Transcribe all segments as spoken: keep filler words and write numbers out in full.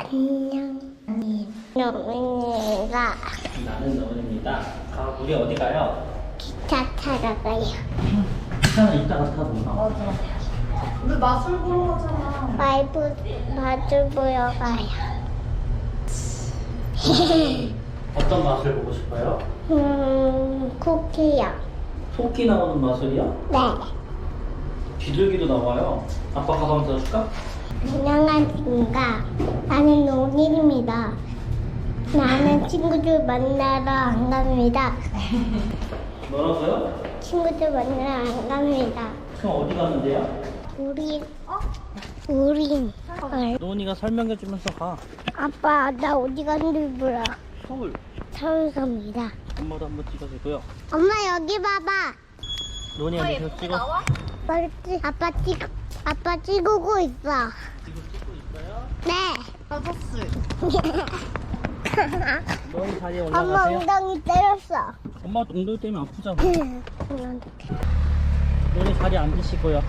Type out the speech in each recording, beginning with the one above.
안녕. 노은이가 나는 노은입니다. 아, 우리 어디 가요? 기차 타러 가요. 기차는 이따가 타도 나. 우리 마술 보러 가잖아. 마이브 마주 보러 가요. 어떤 맛을 보고 싶어요? 음, 쿠키요. 토끼 나오는 마술이요? 네. 비둘기도 나와요. 아빠 가방 들어줄까? 안녕하십니까. 나는 노은입니다. 나는 친구들 만나러 안 갑니다. 뭐라고요? 친구들 만나러 안 갑니다. 그럼 어디 가는데요? 우리, 우리, 어, 노은이가 설명해주면서 가. 아빠, 나 어디 가는지 몰라. 서울. 서울 갑니다. 엄마도 한번 찍어주고요. 엄마, 여기 봐봐. 노은이가 계속 찍어. 아빠, 찍, 아빠 찍, 아빠 찍고 있어. 지금 찍고 있어요? 네. 아저씨. 노은이 자리에 엄마 올라가세요. 엉덩이 때렸어. 엄마 엉덩이 때문에 아프잖아. 노은이 자리에 앉으시고요.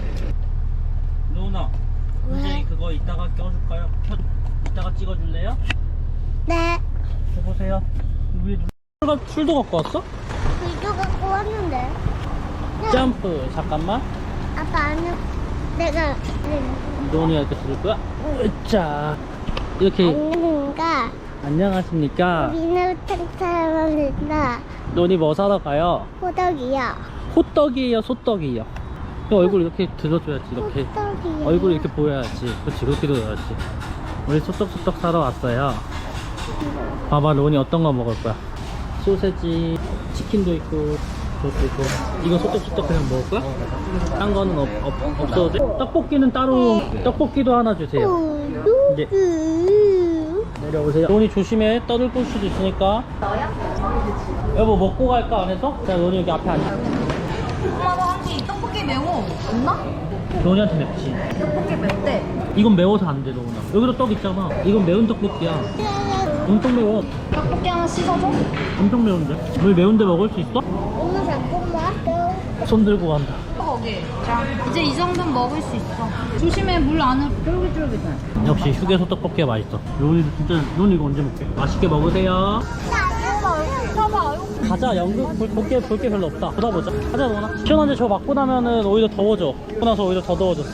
노은아, 이제 그거 이따가 껴줄까요? 켜, 이따가 찍어줄래요? 네. 줘보세요. 위에 누가 풀도 갖고 왔어? 비도 갖고 왔는데. 점프. 잠깐만. 아빠 안녕. 내가 노은이가 이렇게 들을 거야. 자, 이렇게. 안녕가. 안녕하십니까. 우리는 탕탕합니다. 노은이 뭐 사러 가요? 호떡이요. 호떡이에요, 소떡이에요? 이 얼굴 이렇게 들어줘야지. 이렇게 호떡이요. 얼굴 이렇게 보여야지. 그렇지, 그렇게 들어야지. 우리 소떡소떡 사러 왔어요. 봐봐, 로운이 어떤 거 먹을 거야? 소세지, 치킨도 있고, 저것도 있고. 이거 소떡소떡 그냥 먹을 거야? 딴 거는 없, 없, 없어도 돼? 떡볶이는 따로, 떡볶이도 하나 주세요. 이제 내려오세요. 로운이 조심해. 떠들고 수도 있으니까. 여보, 먹고 갈까, 안에서? 자, 로운이 여기 앞에 앉아. 엄마가 한이 떡볶이 매워. 없나? 로운이한테 맵지? 떡볶이 맵대. 이건 매워서 안 돼, 로운아. 여기도 떡 있잖아. 이건 매운 떡볶이야. 엄청 매워. 떡볶이 하나 씻어줘. 엄청 매운데? 우리 매운데 먹을 수 있어? 엄마 잠깐만. 손 들고 간다. 거기. 자, 이제 이 정도는 먹을 수 있어. 조심해, 물 안으로 쫄깃쫄깃해. 역시 휴게소 떡볶이가 맛있어. 로운이도 진짜, 로운이 이거 언제 먹게? 맛있게 먹으세요. 봐봐, 가자. 연극 볼, 볼게, 볼 게 별로 없다. 보다 보자. 가자, 로운아. 시원한데 저거 맞고 나면은 오히려 더워져. 먹고 나서 오히려 더 더워졌어.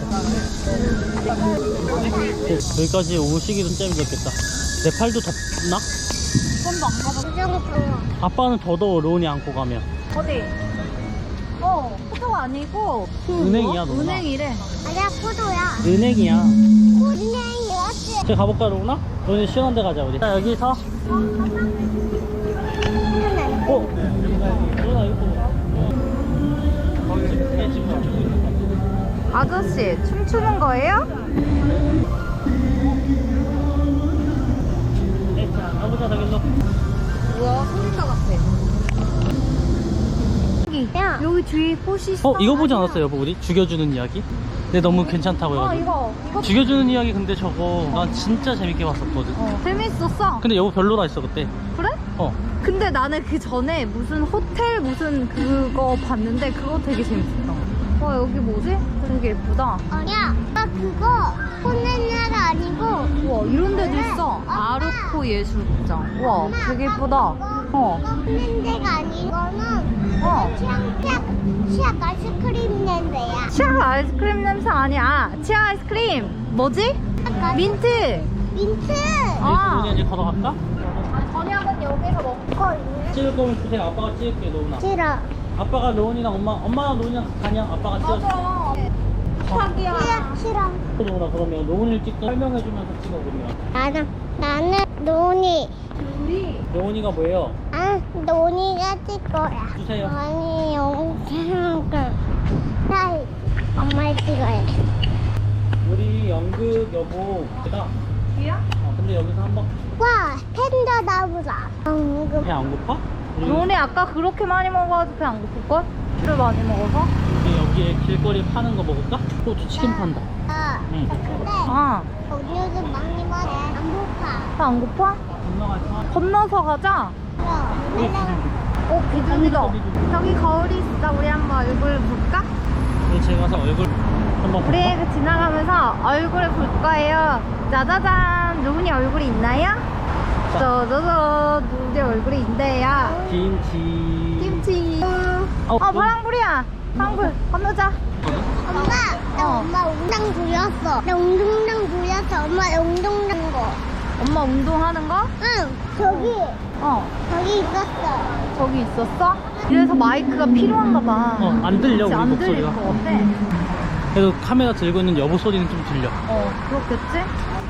여기까지 오시기도 잼이 좋겠다. 내 팔도 덥나? 손도 안 가봐. 부정부정. 아빠는 더 더워, 로운이 안고 가면. 어디? 어, 포도가 아니고 은행이야, 로운아. 은행이래. 아니야, 포도야. 은행이야. 은행이었지. 저기 가볼까, 로운아? 로운이 시원한 데 가자, 우리. 자, 여기서. 어? 로운아, 이거 보자. 얘 지금 춤추고 있는 거. 아저씨, 춤추는 거예요? 네, 자, 가보자, 저길로. 우와, 소리가 같아. 여기, 야. 여기 뒤에 꽃이 있어. 어, 이거 보지 않았어요, 여보, 우리? 죽여주는 이야기? 근데 너무 괜찮다고 어, 해가지고. 이거, 이거. 죽여주는 이야기 근데 저거 난 진짜 재밌게 봤었거든. 어, 재밌었어. 근데 여보 별로라 했어, 그때. 그래? 어. 근데 나는 그 전에 무슨 호텔 무슨 그거 봤는데 그거 되게 재밌었다. 와, 여기 뭐지? 되게 예쁘다. 아니야. 나 그거 혼낸 나라 아니고. 우와, 이런 데도 그래. 있어. 엄마. 아르코 예술극장. 우와, 엄마, 되게 아빠, 예쁘다. 그거 어. 혼낸 데가 아니고는 어. 치약 치약 치약 아이스크림 냄새야. 치아 아이스크림 냄새 아니야. 치아 아이스크림. 뭐지? 민트. 민트. 아. 여기서 우리 이제 걸어갈까? 언니 한번 여기서 먹고 있네. 찍을 거면 주세요. 아빠가 찍을게, 로운아. 싫어. 아빠가 로운이랑 엄마, 엄마랑 로운이랑 가냐? 아빠가 찍을게. 맞아. 자기야. 치약 싫어. 로운아, 그러면 로운이를 찍고 설명해주면서 찍어, 그러면. 나는 나는 노니. 우리. 로운이가 뭐예요? 아 노니가 찍 거야. 주세요. 아니 영상을 나 엄마 찍어야 돼. 우리 연극 여보, 그다. 뒤야? 어, 근데 여기서 한 번. 와 팬더 나보다. 방금 배 안 고파? 우리, 너네 아까 그렇게 많이 먹어가지고 배 안 고플걸? 술 많이 먹어서? 우리 여기에 길거리에 파는 거 먹을까? 호주 치킨 판다. 아 응. 근데 아, 거기도 많이 먹어. 안 고파. 배 안 고파? 건너가서. 건너서 가자. 그럼 어, 비둘기다. 저기 거울이 있어. 우리 한번 얼굴 볼까? 우리 제가 가서 얼굴 한번 볼까? 우리 지나가면서 얼굴을 볼 거예요. 짜자잔. 과연 누구니 얼굴이 있나요? 저저저 누구니 얼굴이 있대요. 김치. 김치. 어, 어 파랑불이야. 파랑불 건너자. 엄마, 나 어. 엄마 웅당 부렸어. 나 웅동당 부렸어. 엄마 웅동당 거. 엄마 운동하는 거? 응, 저기, 어 저기 있었어. 저기 있었어? 이래서 마이크가 필요한가 봐. 어, 안 들려, 그치, 우리 안 목소리가. 들릴 것 같아. 그래도 카메라 들고 있는 여보 소리는 좀 들려. 어 그렇겠지?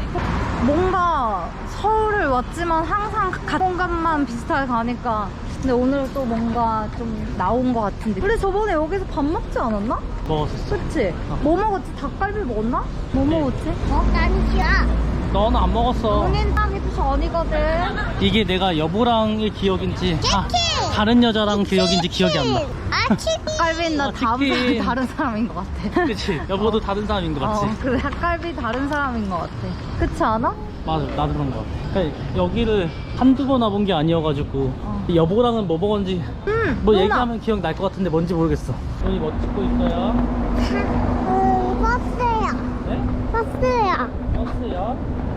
뭔가 서울을 왔지만 항상 같은 공간만 비슷하게 가니까 근데 오늘 또 뭔가 좀 나온 것 같은데 우리 저번에 여기서 밥 먹지 않았나? 먹었었어. 그치? 어. 뭐 먹었지? 닭갈비 먹었나? 뭐 네. 먹었지? 어, 난 싫어. 너는 안 먹었어. 본인 땀이 전이거든. 이게 내가 여보랑의 기억인지 아, 치킨! 다른 여자랑 기억인지 기억이 안 나. 아, 치킨. 닭갈비는 나 아, 다른, 치킨. 다른 사람인 것 같아. 그치? 여보도 다른 사람인 거 맞지? 어, 그래 닭갈비 다른 사람인 것 같아. 그렇지 않아? 맞아, 나도 그런 거 같아. 그러니까 여기를 한두 번 와본 게 아니어가지고 어. 여보랑은 뭐 먹었는지 음, 뭐 누나. 얘기하면 기억 날 것 같은데 뭔지 모르겠어. 여기 뭐 찍고 있어요? 음, 버스야. 네? 버스야. 버스요?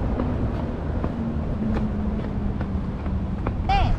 네.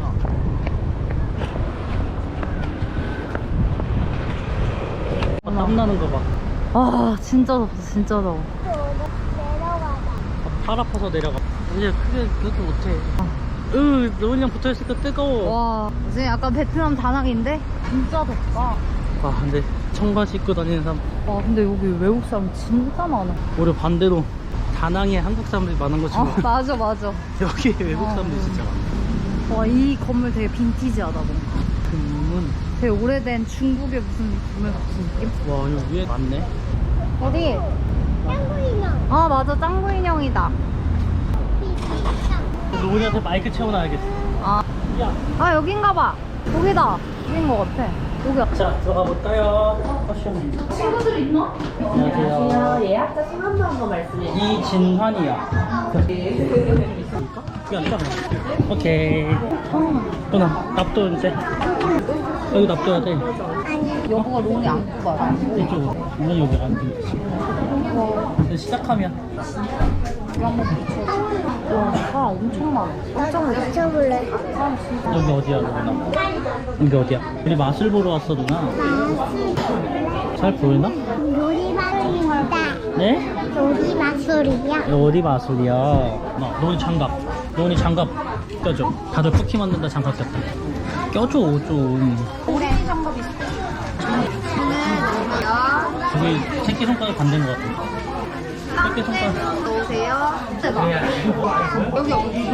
아, 땀나는 거 봐. 아 진짜 덥다 진짜 더워. 내려가자. 아, 팔 아파서 내려가. 이제 크게 그렇게 못해. 으, 노은이랑 붙어있으니까 뜨거워. 와 이제 약간 베트남 다낭인데 진짜 덥다. 아, 근데 청바지 입고 다니는 사람. 와 근데 여기 외국 사람 진짜 많아. 오히려 반대로 다낭에 한국 사람들이 많은 거지 아 뭐. 맞아 맞아. 여기 외국 어. 사람들이 진짜 많아. 와 이 건물 되게 빈티지하다 뭔가. 금문. 되게 오래된 중국의 무슨 건물 같은 느낌? 와, 여기 위에 많네. 어디? 짱구인형. 아 맞아 짱구 인형이다. 노은이한테 마이크 채워놔야겠어. 아, 야. 아 여긴가 봐. 여기다. 여긴 것 같아. 여기. 자, 들어가 볼까요? 패션. 친구들 있나? 안녕하세요. 예약자 성함도 한번 말씀해 주세요. 이진환이야. 있을까? 여기 앉아. 오케이. 누나, 납도 이제. 여기 납둬야 돼. 여보가 롱이 안고 봐. 이쪽으로. 오늘 여기 안 돼. 이제 시작하면. 와 사람 엄청 많아. 나도 맞춰볼래. 여기 어디야, 누나? 여기 어디야? 우리 마술 보러 왔어, 누나. 마술. 잘 보이나? 요리 마술입니다. 네? 요리 마술이야. 어디 마술이야? 나 노은이 장갑. 노은이 장갑 껴줘. 다들 쿠키 만든다 장갑 꼈다. 껴줘 좀. 오렌지 장갑 있어. 저기 새끼 손가락 반대인 것 같아. 새끼 손가락. 넣으세요. 대박. 여기 어디?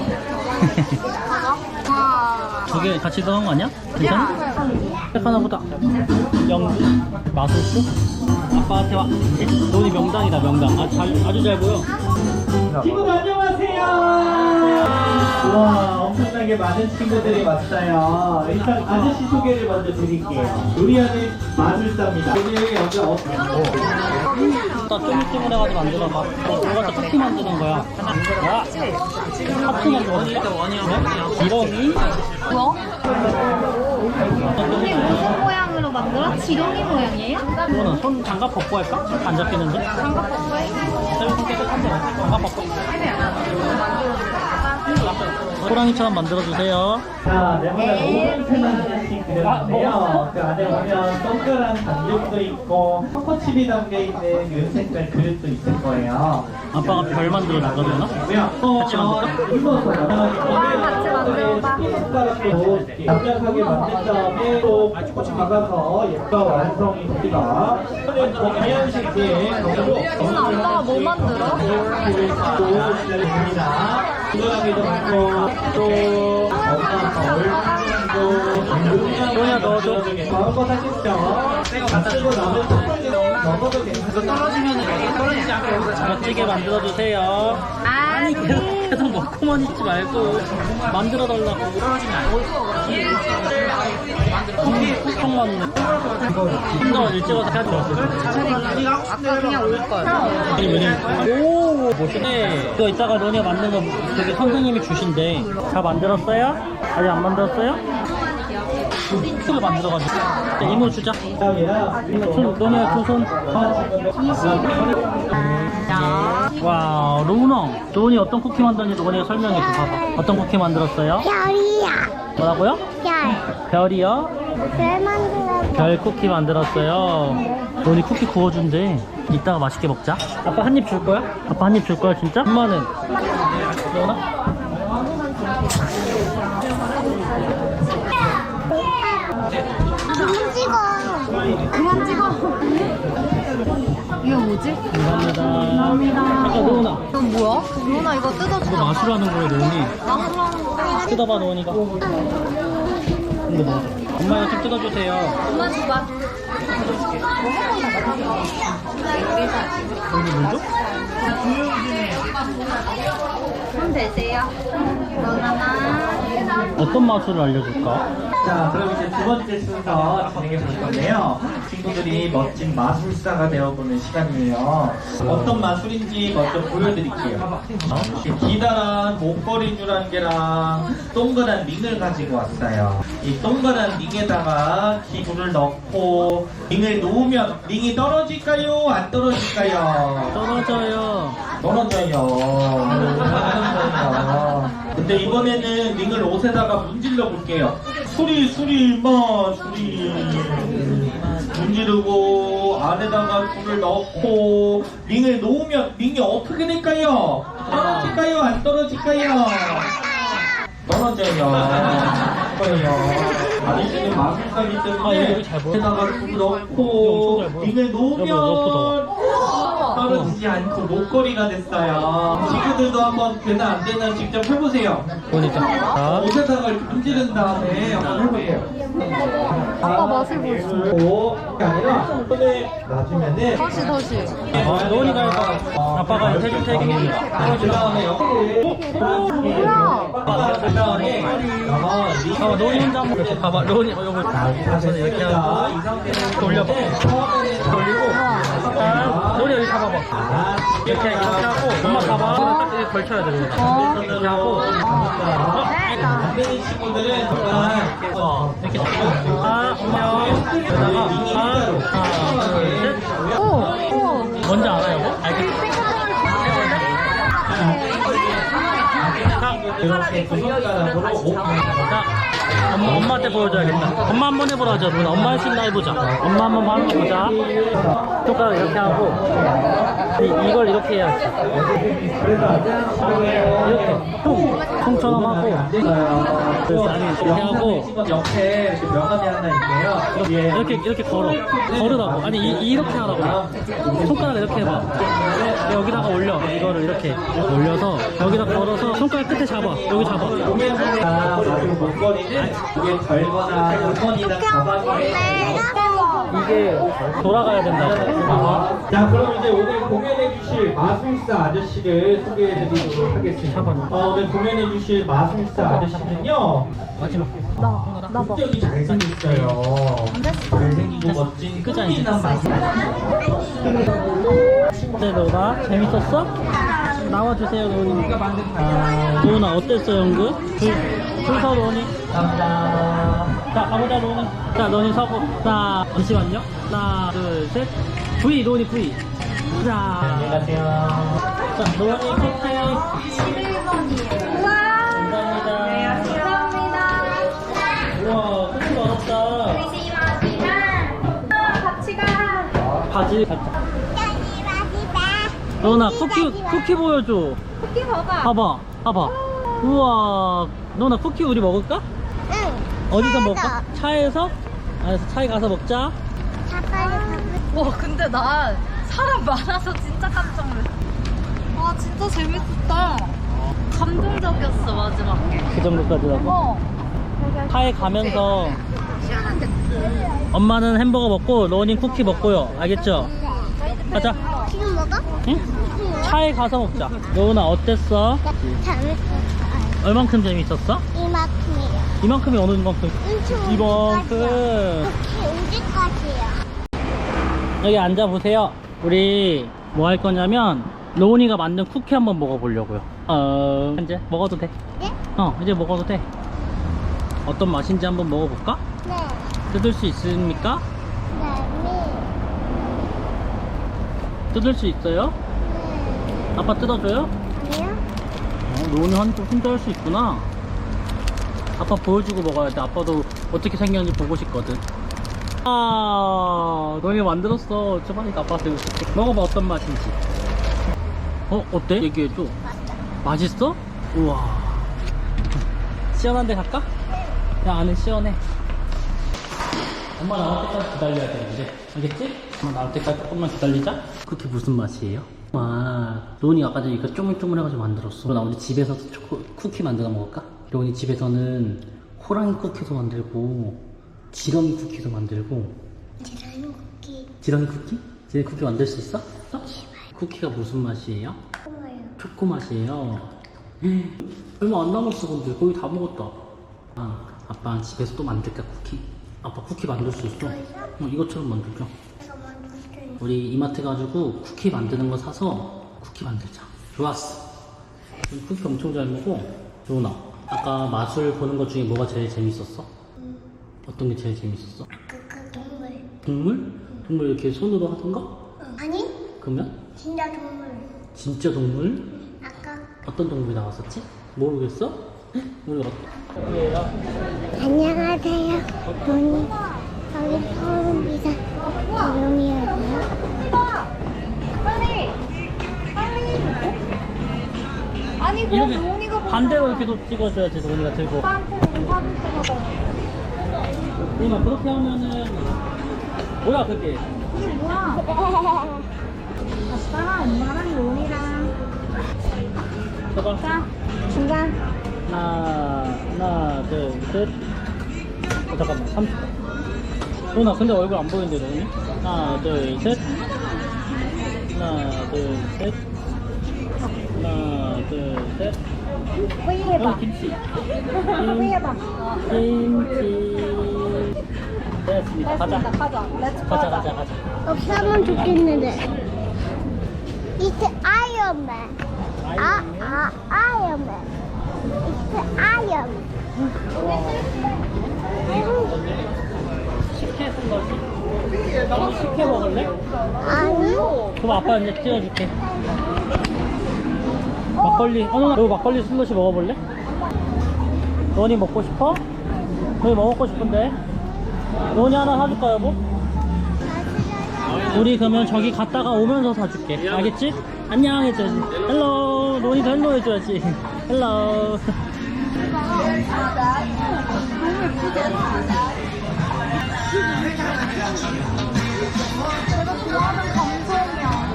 와. 저게 같이 들어간 거 아니야? 괜찮아? 색 하나 보다. 영주 마술수? 아빠한테 와. 노은이 명당이다 명당. 아, 잘, 아주 잘 보여. 친구들 안녕하세요. 우와, 엄청나게 많은 친구들이 왔어요. 일단 아저씨 소개를 먼저 드릴게요. 요리하는 마술사입니다. 오늘 여기 어떻게? 나 쪼물쪼물해가지고 만들어봐. 어, 너가 다 쿠키 만드는 거야. 야! 하트 만들어. 네? 지렁이? 뭐? 이게 무슨 모양으로 만들어? 지렁이 모양이에요? 이거는 손 장갑 벗고 할까? 안 잡히는데? 장갑 벗고 해? 새우 손 깨끗한데 장갑 벗고. 호랑이처럼 만들어주세요. 자, 네모난 오븐 하나씩 그렸는데요. 그 안에 보면 동그란 반죽도 있고 초코칩이 담겨있는 윤색깔 그릇도 있을 거예요. 아빠가 별 만들어 놨거든요. 같이 만들까? 같이 만들어봐. 숟가락도 납작하게 만든 다음에 또 박아서 예쁘게 완성이 됩니다. 동양식의 오늘 아빠가 뭐 만들어? 건강하게도 많고 또 소희야 넣어줘. 마음껏 하십시오. 다 쓰고 나면 또 먹어도 괜찮아요. 떨어지면 떨어지지 않고 여기서 멋지게 만들어주세요. 아니 계속, 계속 먹고만 있지 말고 만들어달라고. 콩이 콩 맞네. 혼자 일찍 와서 해야 돼. 아까 그냥 올걸. 아니 왜냐면 오 멋있네. 이거 이따가 너네 만든 거 저기 선생님이 주신대. 다 만들었어요? 아직 안 만들었어요? 를 만들어가지고. 자, 이모 주자. 이모 손, 너네 두 손. 와, 로운아. 로운이 어떤 쿠키 만들었는지 로운이가 설명해 줘. 봐봐. 어떤 쿠키 만들었어요? 별이야. 뭐라고요? 별. 별이요? 별 만들어. 별 쿠키 만들었어요. 로운이 쿠키 구워준대. 이따가 맛있게 먹자. 아빠 한 입 줄 거야? 아빠 한 입 줄 거야, 진짜? 엄마는? 로운아? 좀 찍어. 그만 찍어. 이거 뭐지? 감사합니다. 감사합니다. 아까 로운아. 이건 뭐야? 로나 이거 이거 뜯어주자. 마술로 하는 거예요, 로운이. 마술하는 거. 뜯어봐, 로운이가. 이거 뭐? 엄마 이거 좀 뜯어주세요. 엄마 줘봐. 여기 뭐죠? 손 대세요. 로나나. 어떤 마술을 알려줄까? 자, 그럼 이제 두 번째 순서 진행해 볼 건데요. 친구들이 멋진 마술사가 되어보는 시간이에요. 어떤 마술인지 먼저 보여드릴게요. 어? 기다란 목걸이줄한 개랑 동그란 링을 가지고 왔어요. 이 동그란 링에다가 기구를 넣고 링을 놓으면 링이 떨어질까요? 안 떨어질까요? 떨어져요. 떨어져요. 떨어져요. 근데 이번에는 링을 옷에다가 문질러 볼게요. 수리 수리 마 수리 문지르고 안에다가 줄을 넣고 링을 놓으면 링이 어떻게 될까요? 떨어질까요? 안 떨어질까요? 떨어져요. 떨어져요. 아저씨는 마술사기 아, 때문에 여기 잘 보여. 안에다가 줄을 이거 넣고 엄청 잘 보여. 링을 여기 놓으면 떨어지지 않고 목걸이가 됐어요. 친구들도 한번 되나 안 되나 직접 해보세요. 보니까. 자, 옷에다가 이렇게 문지른 다음에 한번 해보세요. 아빠 맛을 보여줘. 고 그게 아니라 손을 놔주면은 다시 다시. 어, 로운이가 해봐. 아빠가 이거 해줄 테니. 그 다음에 여기를 뭐야? 그 다음에 어, 로운이 혼자 한번 이렇게 봐봐. 로운이, 어, 요거. 손 이렇게 하고. 이 상태로 돌려봐. 돌리고 자, 로운이 여기 잡아봐. 이렇게, 이렇게 하고. 엄마 봐봐. 딱 이렇게 걸쳐야 돼, 로운이. 어. 이렇게 하고. 안 되는 친구들은 정말 어, 이렇게 잡고. 아, 엄마요. 여기다가, 아, 하나, 둘, 셋. 오, 오. 뭔지 알아요, 뭐? 알겠어. 자, 이렇게 두 손가락으로 오픈. 자, 엄마, 엄마한테 보여줘야겠다. 엄마 한번 해보라 하자, 누나. 엄마 할 수 있나 해보자. 엄마 한번 하는 거 보자. 손가락 이렇게 하고, 이, 이걸 이렇게 해야지. 이렇게. 통, 통처럼 하고. 그래서 아니, 이렇게 하고. 친구 옆에 이렇게 명함이 하나 있고요. 예. 이렇게, 이렇게 걸어. 걸으라고. 아니, 이, 이렇게 하라고. 손가락 이렇게 해봐. 여기다가 올려. 이거를 이렇게 올려서, 여기다 걸어서, 손가락 끝에 잡아. 여기 잡아. 아, 마지막 목걸이는 이게 걸거나 물건이나 가방에 이게 돌아가야 된다. 자, 그럼 이제 오늘 공연해 주실 마술사 아저씨를 소개해 드리도록 하겠습니다. 어, 오늘 공연해 주실 마술사 아저씨는요. 마지막. 나, 나 봐. 국적이 잘생겼어요. 잘생기고 멋진 그지 않지? 끝이난 마술. 네, 로나 재밌었어? 나와주세요, 로니. 아, 로나 어땠어, 연극? 줄, 줄서 로니. 감사합니다. 자, 가보자, 로니. 자, 로니 서고. 자, 잠시만요. 하나, 둘, 셋. V, 로니 V. 자, 안녕하세요. 자, 로니 쿠키. 십일 번이에요. 우와. 감사합니다. 감사합니다. 우와, 쿠키 어렵다. 같이 가. 바지 살짝. 로나 쿠키, 쿠키 보여줘. 쿠키 봐봐. 봐봐, 봐봐. 우와, 로나 쿠키 우리 먹을까? 응. 어디서 먹을까? 차에서? 알았어, 차에 가서 먹자. 와 근데 난 사람 많아서 진짜 깜짝 놀랐어. 와 진짜 재밌었다. 감동적이었어 마지막에. 그 정도까지라고? 어. 차에 가면서 엄마는 햄버거 먹고 로우는 쿠키 먹고요. 알겠죠? 가자. 지금 먹어? 응? 차에 가서 먹자. 로우나 어땠어? 재밌었어. 얼만큼 재밌었어? 이만큼이요. 이만큼이 어느 만큼? 엄청 이만큼. 우지까지요. 여기 앉아보세요. 우리 뭐 할 거냐면 로운이가 만든 쿠키 한번 먹어보려고요. 어... 이제 먹어도 돼. 네? 어, 이제 먹어도 돼. 어떤 맛인지 한번 먹어볼까? 네. 뜯을 수 있습니까? 네. 뜯을 수 있어요? 네. 아빠 뜯어줘요? 아니요? 어, 로운이 혼자, 혼자 할 수 있구나. 아빠 보여주고 먹어야 돼. 아빠도 어떻게 생겼는지 보고 싶거든. 아, 너희 만들었어. 저번에 아빠한테 웃을게. 먹어봐, 어떤 맛인지. 어, 어때? 얘기해줘. 맛있어? 우와. 시원한데 갈까? 야, 안에 시원해. 엄마 나올 때까지 기다려야 되는데. 알겠지? 엄마 나올 때까지 조금만 기다리자. 그게 무슨 맛이에요? 아, 로운이 아까 전에 이거 쪼물쪼물해가지고 만들었어. 나 오늘 집에서 초코, 쿠키 만들어 먹을까? 로운이 집에서는 호랑이 쿠키도 만들고 지렁이 쿠키도 만들고. 계란 쿠키. 지렁이 쿠키? 지렁이 쿠키 만들 수 있어? 어? 쿠키가 무슨 맛이에요? 고마워요. 초코 맛이에요. 음, 얼마 안 남았어. 근데 거의 다 먹었다. 아, 아빠 집에서 또 만들까 쿠키? 아빠 쿠키 만들 수 있어? 어, 이것처럼 만들자. 내가 만들게. 우리 이마트 가지고 쿠키 만드는 거 사서 쿠키 만들자. 좋았어. 우리 쿠키 엄청 잘 먹어. 조은아, 아까 마술 보는 것 중에 뭐가 제일 재밌었어? 어떤 게 제일 재밌었어? 아까 동물. 동물? 동물 이렇게 손으로 하던가? 아니? 그러면? 진짜 동물. 진짜 동물? 아까. 어떤 동물이 나왔었지? 모르겠어? 헉, 우리 어, 안녕하세요. 돈이 여기 서울비자 이름이에요. 빨리! 빨리! 아니, 그럼 이렇게 로운이가 반대로 이렇게 도 찍어줘야지. 로운이가 들고. 오빠한테는 사진 찍어서. 로운아, 그렇게 하면은 뭐야 그게? 이게 뭐야? 아빠랑 엄마랑 로운이랑. 봐봐. 자, 중간. 하나, 하나, 둘, 셋. 어, 잠깐만, 삼십. 로운아, 근데 얼굴 안 보이는데, 로운이? 하나, 둘, 셋. 하나, 둘, 셋. 하나, 둘, 셋. V 해봐. 어, 김치. V 해봐. 김치. 됐습니다. 가자. 됐습니다. 가자. 렛츠 가자, 가자. 가자, 가자. 없으면 좋겠는데. It's Iron Man. 아, 아, Iron Man. It's Iron 식혜 슬러시. 너무 식혜 먹을래? 아니? 그럼 아빠 이제 찍어줄게. 막걸리. 어, 누나, 너 막걸리 슬러시 먹어볼래? 너니 먹고 싶어? 너니 뭐 먹고 싶은데? 너니 하나 사줄까, 여보? 우리 그러면 저기 갔다가 오면서 사줄게. 알겠지? 안녕 해줘야지. 헬로. 너니도 헬로 해줘야지. 헬로. 내가 좋아하는 감성이야.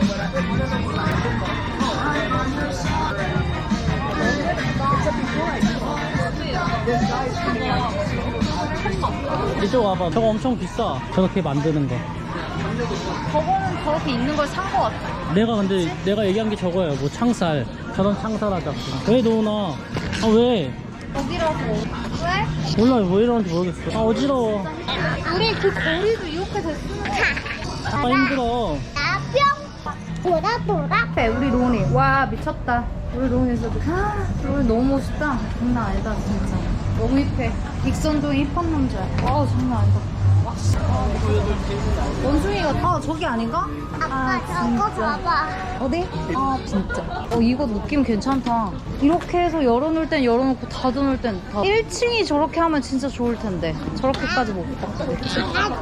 이쪽 와봐. 저거 엄청 비싸. 저렇게 만드는 거. 저거는 저렇게 있는 걸 산 거 같아. 내가 근데 내가 얘기한 게 저거예요. 뭐 창살. 저런 창살하자고. 왜 너나? 아 왜? 어디라고? 왜? 몰라 왜 이러는지 모르겠어. 아 어지러워. 우리 그 거리도 이렇게 됐으면. 아 힘들어. 나 뿅! 돌아, 돌아. 네, 우리 로운이. 와, 미쳤다. 우리 로운이 진짜. 로운이 너무 멋있다. 장난 아니다, 진짜. 너무 힙해. 익선종이 힙한 남자야. 와, 장난 아니다. 와, 씨. 원숭이가, 아, 저기 아닌가? 아빠 저거 봐봐. 어디? 아, 진짜. 어, 이거 느낌 괜찮다. 이렇게 해서 열어놓을 땐 열어놓고 닫아놓을 땐 다. 일 층이 저렇게 하면 진짜 좋을 텐데. 저렇게까지 못 닫겠지.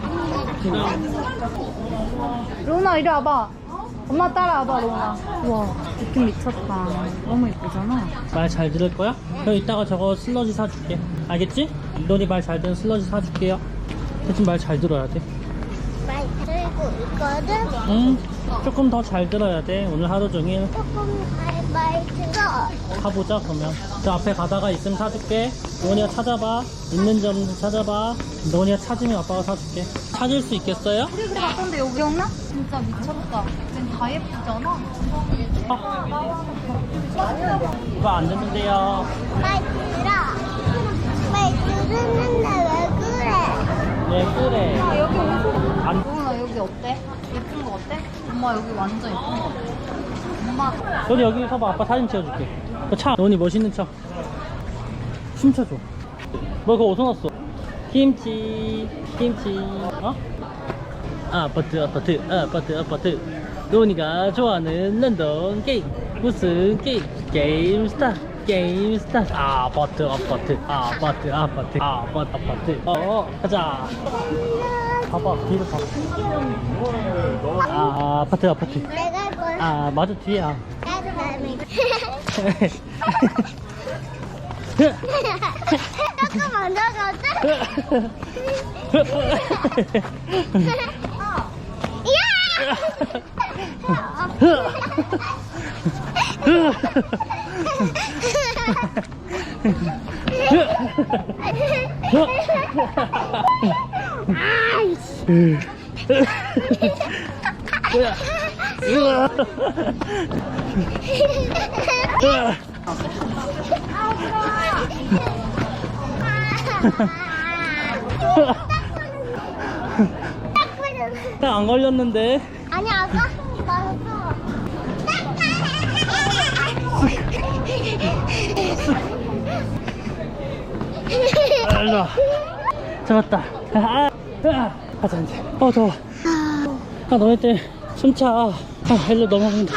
로운아, 이리 와봐. 엄마 따라와봐, 로운아. 우와, 느낌 미쳤다. 너무 예쁘잖아. 말 잘 들을 거야? 그럼 이따가 저거 슬러지 사줄게. 알겠지? 너니 말 잘 듣는 슬러지 사줄게요. 대신 말 잘 들어야 돼. 말 들고 있거든? 응. 조금 더 잘 들어야 돼. 오늘 하루 종일. 조금 말 들어. 가보자 그러면. 저 앞에 가다가 있으면 사줄게. 너니가 찾아봐. 있는 점 찾아봐. 너니가 찾으면 아빠가 사줄게. 찾을 수 있겠어요? 우리 그래 갔던데 여기 기억나? 진짜 미쳤다. 쟤 다 예쁘잖아. 아. 이거 안 듣는데요. 말 들어. 말 들었는데 왜 그래? 왜 그래? 아, 여기 옷이. 안. 로운아, 여기 어때? 예쁜 거 어때? 엄마 여기 완전 예쁜 거 같아. 엄마. 너니 여기 서봐. 아빠 사진 찍어줄게. 그 차. 너니 멋있는 차. 춤춰줘. 너 그거 어디서 났어? 김치 김치 어? 아파트 아파트 아파트 아파트 로니가 좋아하는 런던 게임 무슨 게임 게임스타 게임스타 아파트 아파트 아파트 아파트 아파트 아파트 어 가자 봐봐 뒤로 봐 아, 아파트 아파트 내가 할 거야. 아 맞아 뒤에야 나도 나는. 조금 먼저 가자. 안 걸렸는데 아니 아까 한개 맞았어. 아, 일로 와. 잡았다. 아, 아, 가자 이제. 어 더워. 아 너네 때문에 숨차. 아 일로 넘어간다.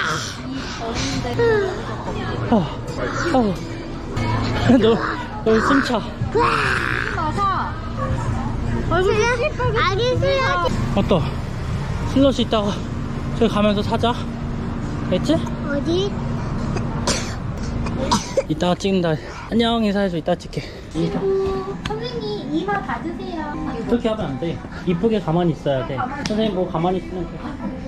아, 아, 너 너희 숨차. 맞아. 아기 수영. 어떠? 슬롯이 있다가 저기 가면서 사자. 됐지? 어디? 이따가 찍는다. 안녕 인사해줘. 이따 찍게. 선생님 이마 봐주세요. 그렇게 하면 안 돼. 이쁘게 가만히 있어야 돼. 선생님 뭐 가만히 있으면 돼.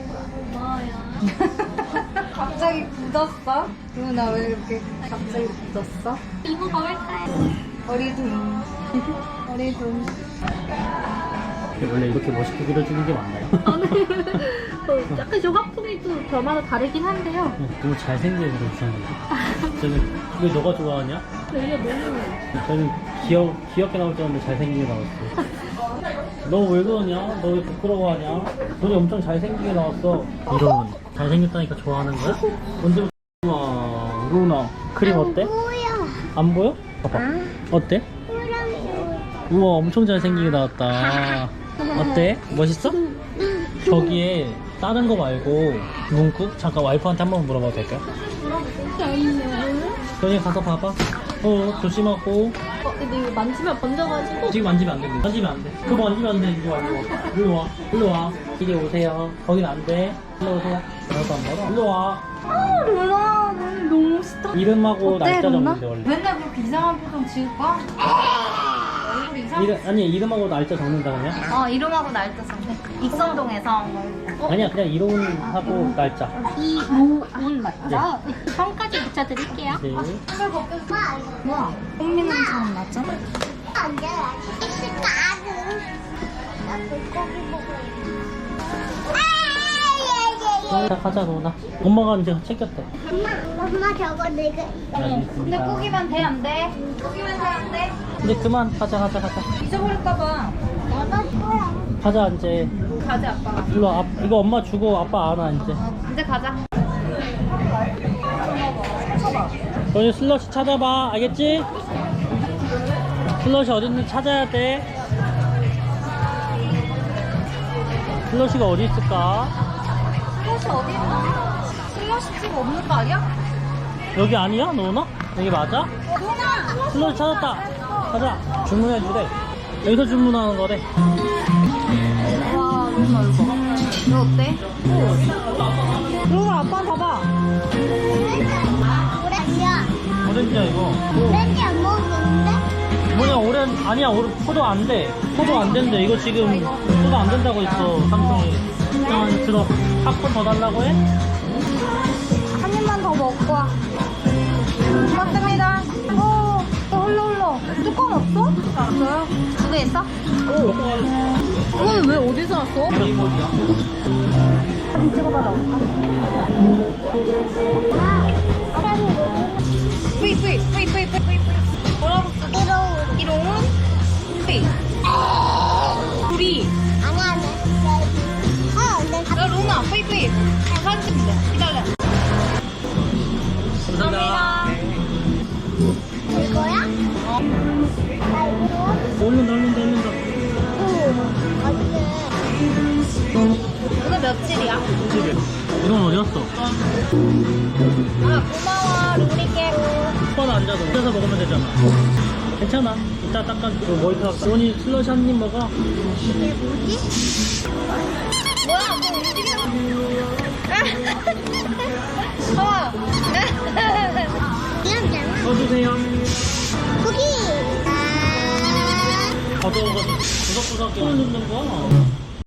갑자기 굳었어? 누나 왜 이렇게 갑자기 굳었어? 이모 가볼까요? 어리둥. 어리둥. 원래 이렇게 멋있게 그려주는 게 맞나요? 어, 약간 조각풍이 또 저마다 다르긴 한데요. 너무 잘생기게 그려주셨는데. 저는 왜 너가 좋아하냐? 근데 이게 너무 저는 귀여, 귀엽게 나올 줄 알았는데 잘생기게 나왔어. 너 왜 그러냐? 너 왜 부끄러워하냐? 너네 엄청 잘생기게 나왔어. 이런 잘생겼다니까 좋아하는 거야? 언제부터? 우와 루나 크림 어때? 뭐야? 안 보여? 봐봐. 어때? 호랑이. 우와 엄청 잘생기게 나왔다. 어때? 멋있어? 저기에 다른 거 말고 문구? 잠깐 와이프한테 한 번 물어봐도 될까요? 저기 가서 봐봐. 어 조심하고. 어, 근데 이거 만지면 번져가지고 지금 만지면 안 돼. 만지면 안 돼. 그거 만지면 안 돼. 이리 와, 이리 와. 일로 와. 일로 와. 이리 오세요. 거긴 안 돼. 일로 오세요. 나도 안 받아. 일로 와. 아, 루나 너무 너무 멋있다. 이름하고 어때, 날짜 루나? 적는데 원래. 맨날 그렇게 이상한 표정 지을 거야? 얼굴이 이상? 이름 아니 이름하고 날짜 적는다 그냥. 어, 이름하고 날짜 썼네. 익선동에서. 아니야 그냥 이름하고 날짜. 이로운 맞죠? 성까지 붙여드릴게요. 네. 뭐야? 꽃미남 처럼 났죠? 안 돼. 있을까는. 나 물고기 먹어. 아, 자 가자 너나. 엄마가 이제 챙겼대. 엄마, 엄마 저거 내가. 알겠습니다. 근데 꾸기면 돼, 안 돼? 꾸기면 돼, 안 돼? 근데 그만 가자 가자 가자. 잊어버릴까봐. 내가 거야. 가자 이제. 가지, 아빠가. 일로 와. 아, 이거 엄마 주고 아빠 안와 이제. 어, 이제 가자. 너희 슬러시 찾아봐. 알겠지? 슬러시 어딨는지 찾아야 돼. 슬러시가 어디 있을까? 슬러시 어디 있나? 슬러시 집 없는 거 아니야? 여기 아니야? 너나? 여기 맞아? 누나! 슬러시 찾았다. 가자. 주문해 주래. 여기서 주문하는 거래. 와, 루나 이거. 이거 어때? 루나 아빠 봐봐. 오렌지야. 오렌지야 이거. 오렌지 안 먹는데? 뭐냐 오렌 아니야 오렌 포도 안 돼. 포도 안 된대. 이거 지금 포도 안 된다고 했어 삼성이. 자 이제 들어. 팝콘 더 달라고 해? 한 입만 더 먹고 와. 고맙습니다. 오, 또 흘러 흘러. 뚜껑 없어? 없어요? 두 개 있어? 오. 이거는 왜 어디서 왔어? 사진 찍어봐라. 뿌이 뿌이 뿌이 뿌이 뿌이 뿌이 뭐라고 써? 이러고. 이로운 뿌이 우리 아니, 아니. 아, 안 돼. 야 루나 뿌이 뿌이 사진 찍는데 기다려. 감사합니다. 이거야? 나 이거. 얼른 얼른 얼른. 이건 어디 갔어? 아 고마워 루니께. 오빠는 앉아서 앉아서 먹으면 되잖아. 괜찮아. 이따 닦아주고 머리카락. 로니 슬러시 한 입 먹어. 이게 뭐지? 뭐야 뭐 움직여. 어. 귀엽잖아. 더 주세요. 고기. 아. 더더워가지고 구석구석 손을 넣는 거.